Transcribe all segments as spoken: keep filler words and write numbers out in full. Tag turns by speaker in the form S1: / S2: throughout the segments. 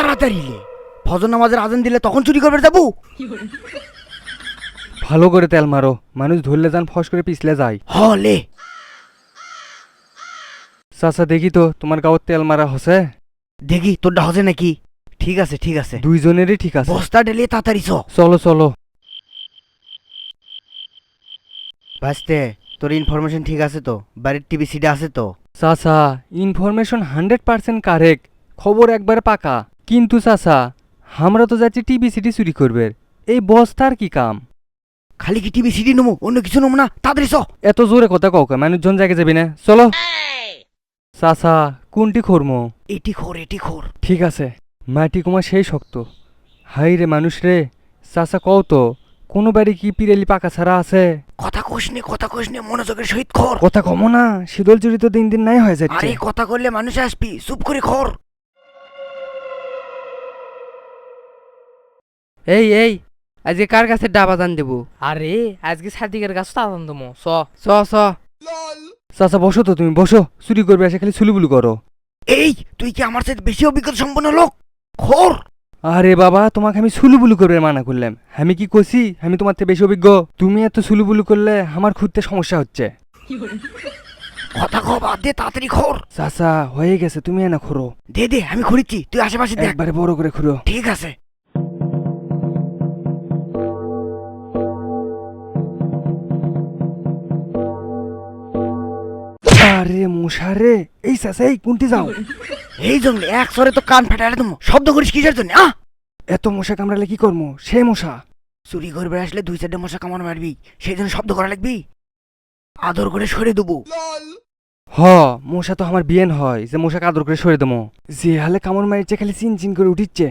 S1: তাড়াতাড়ি লে, ফজর নামাজের আজান দিলে তখন চুরি করবে যাবো।
S2: ভালো করে তেল মারো, মানুষ ধরলে যান ফস করে পিছলে যায়।
S1: হ লে।
S2: চাচা দেখি তো তোমার গাঁৱত তেল মারা হসে।
S1: দেখি তোরটা হজে নাকি। ঠিক আছে ঠিক আছে,
S2: দুইজনেরই ঠিক আছে।
S1: বস্তা ঢেলে তাড়াতাড়ি চ।
S2: চলো চলো।
S1: ভাসতে তোর ইনফরমেশন ঠিক আছে তো? বাড়ির টিভি সিডি আছে তো?
S2: চাচা ইনফরমেশন হান্ড্রেড পার্সেন্ট কারেক্ট, খবর একবার পাকা। কিন্তু চাচা আমরা তো যাচ্ছি টিভি সিটি চুরি করবে, এই বস্তার কি কাম?
S1: খালি কি টিভি সিডি নেবো, অন্য কিছু নেবো না? তাড়াতাড়ি চ।
S2: এত জোরে কথা কাউকে মানুষজন জায়গায় যাবি না, চলো। চাচা কোনটি খরমো?
S1: এটি খোর এটি খোর।
S2: ঠিক আছে, মাটি কুমা সেই শক্ত। হাই রে মানুষ রে। চাচা কও তো, কোনো বাড়ি কি পিরেলি পাকা ছাড়া আছে?
S1: কথা কোষ নে কথা কোষ নে, মনোযোগের সহিত খোর।
S2: কথা কমো না, শীতল চুরি তো দিন দিন নাই হয়ে যাচ্ছে।
S1: আরে কথা করলে মানুষ আসবি, চুপ করে খোর।
S3: এই এই আজকে কার কাছে ডাবা দান দেবো? আরে আজকে সাদিকের কাছে দান দেবো। স স স
S2: চাচা বসো তো, তুমি বসো। চুরি করবে এসে খালি ছুলুবুলু করো।
S1: এই তুই কি আমার সাথে বেশি অভিজ্ঞতা সম্পন্ন লোক? খোর।
S2: আরে বাবা, তোমাকে আমি ছুলুবুলু করবে মানা করলাম? আমি কি কছি আমি তোমার থেকে বেশি অভিজ্ঞ? তুমি এত ছুলুবুলু করলে আমার খুঁজতে সমস্যা হচ্ছে।
S1: কথা কো বাদ দে, তাড়াতাড়ি খোর।
S2: চাচা হয়ে গেছে, তুমি এনা খোরো।
S1: দে দে আমি খড়িচ্ছি, তুই আশেপাশে দেখ।
S2: একবারে বড় করে খুঁড়ো।
S1: ঠিক আছে।
S2: আরে মশারে, এই চাচা এই কোনটি যাও?
S1: এই জঙ্গলে এক সরে তো কান ফাটালে তুমি শব্দ করিস কিসের জন্য? আহ
S2: এত মশা কামড়ালে কি করবো? সে মশা
S1: চুরি করবে আসলে দুই চারটে মশা কামড় মারবি, সেই জন্য শব্দ করা লাগবি। আদর করে সরে দেবো।
S2: হ, মশা তো আমার বিয়েন হয় যে মশা আদর করে সরে দেবো। যে হালে কামড় মারিচ্ছে খালি চিন চিন করে উঠিচ্ছে।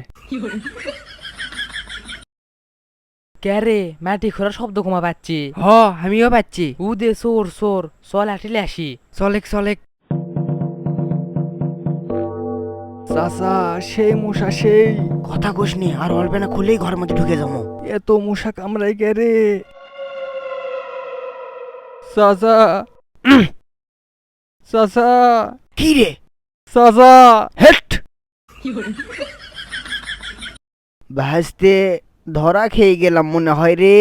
S3: ক্যারে মাটি খোঁড়ার শব্দ কমা পাচ্ছি। হ আমিও পাচ্ছি। উ দে সোর সোর, চল আটিলে আসি। চলেক চলেক।
S2: চাচা সেই মশা সেই।
S1: কথা কোষ নি, আর অল্প না খুলেই ঘরের মধ্যে ঢুকে যাবো।
S2: এত মশা কামড়াই গে রে চাচা। চাচা
S1: কি রে?
S2: চাচা
S1: হেট ভাসতে ধরা খেয়ে গেলাম মনে হয় রে।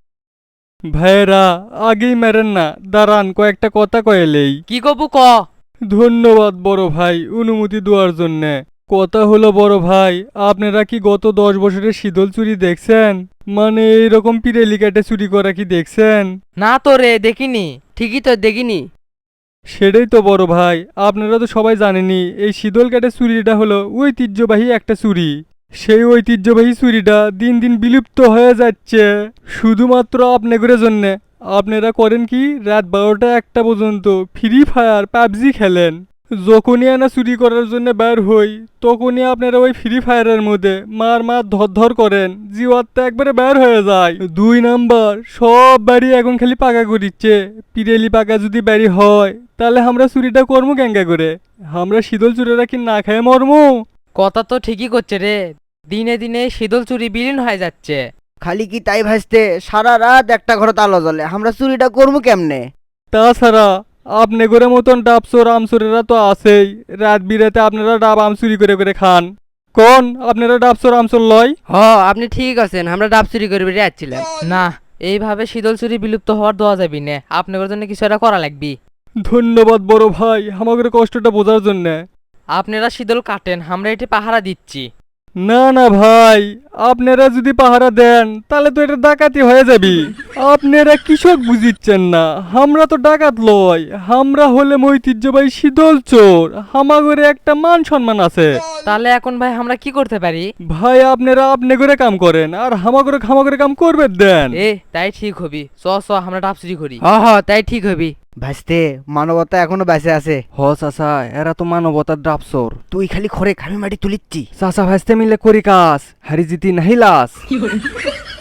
S2: ভাইরা আগেই মেরেন না, দাঁড়ান কয়েকটা কথা কয়েলেই।
S3: কি কবু ক।
S2: ধন্যবাদ বড় ভাই অনুমতি দেওয়ার জন্যে। কথা হলো বড় ভাই, আপনারা কি গত দশ বছরের শীতল চুরি দেখছেন? মানে এইরকম পিরেলি কাটে চুরি করা কি দেখছেন?
S3: না তো রে দেখিনি, ঠিকই তো দেখিনি।
S2: সেটাই তো বড় ভাই, আপনারা তো সবাই জানেনই এই শীতল কাটে চুরিটা হলো ঐতিহ্যবাহী একটা চুরি। সেই ঐতিহ্যবাহী চুরিটা দিন দিন বিলুপ্ত হয়ে যাচ্ছে শুধুমাত্র আপনাদের জন্যে। আপনারা করেন কি, রাত বারোটা একটা পর্যন্ত ফ্রি ফায়ার পাবজি খেলেন। যখনই আনা চুরি করার জন্য বের হই তখনই আপনারা ওই ফ্রি ফায়ারের মধ্যে মার মার ধর ধর করেন, জিওয়ারটা একবারে বের হয়ে যায়। দুই নাম্বার, সব বাড়ি এখন খালি পাকা করিচ্ছে। পিরেলি পাকা যদি বাড়ি হয় তাহলে আমরা চুরিটা করবো ক্যাঙ্গা করে? আমরা শীতল চুরিরা কি না খায় মরমু?
S3: কথা তো ঠিকই করছে রে, দিনে দিনে শীতল চুরি বিলীন হয়ে যাচ্ছে।
S1: খালি কি তাই ভাসতে, সারা রাত একটা ঘরে তালা জ্বলে, আমরা চুরিটা করবো কেমনে?
S2: তাছাড়া আপনি করে মতন ডাব চোর আমচোরেরা তো আছেই, রাত বিরাতে আপনারা ডাব আম চুরি করে করে খান। কোন আপনারা ডাব চোর আমচোর লয়?
S3: হ আপনি ঠিক আছেন, আমরা ডাব চুরি করে বেরিয়ে যাচ্ছিলাম না। এইভাবে শীতল চুরি বিলুপ্ত হওয়ার দেওয়া যাবি না, আপনাদের জন্য কিছু একটা করা লাগবি।
S2: ধন্যবাদ বড় ভাই আমাদের কষ্টটা বোঝার জন্য।
S3: আপনারা শীতল কাটেন, আমরা এটি পাহারা দিচ্ছি।
S2: না না ভাই, আপনারা যদি পাহারা দেন তাহলে তো এটা ডাকাতি হয়ে যাবি। আপনারা কৃষক বুঝিচ্ছেন না, আমরা তো ডাকাত লয়, আমরা হলে ঐতিহ্যবাহী শীতল চোর। হামাগরে একটা মান সম্মান আছে।
S3: তাহলে এখন ভাই আমরা কি করতে পারি?
S2: ভাই আপনারা আপনি করে কাম করেন আর হামাগরে খামাগরে কাম করবে দেন।
S3: এ তাই ঠিক হবি, চ চ আমরা ডাব চুরি করি। হ হ তাই ঠিক হবি।
S1: ভাসতে মানবতা এখনো বেঁচে আছে।
S2: হ চাচা, এরা তো মানবতার ডাব চোর।
S1: তুই খালি খরে, আমি মাটি তুলিচ্ছি।
S2: চাচা ভাইস্তে মিলে করি কাজ, হারি জিতি নাহি লাস।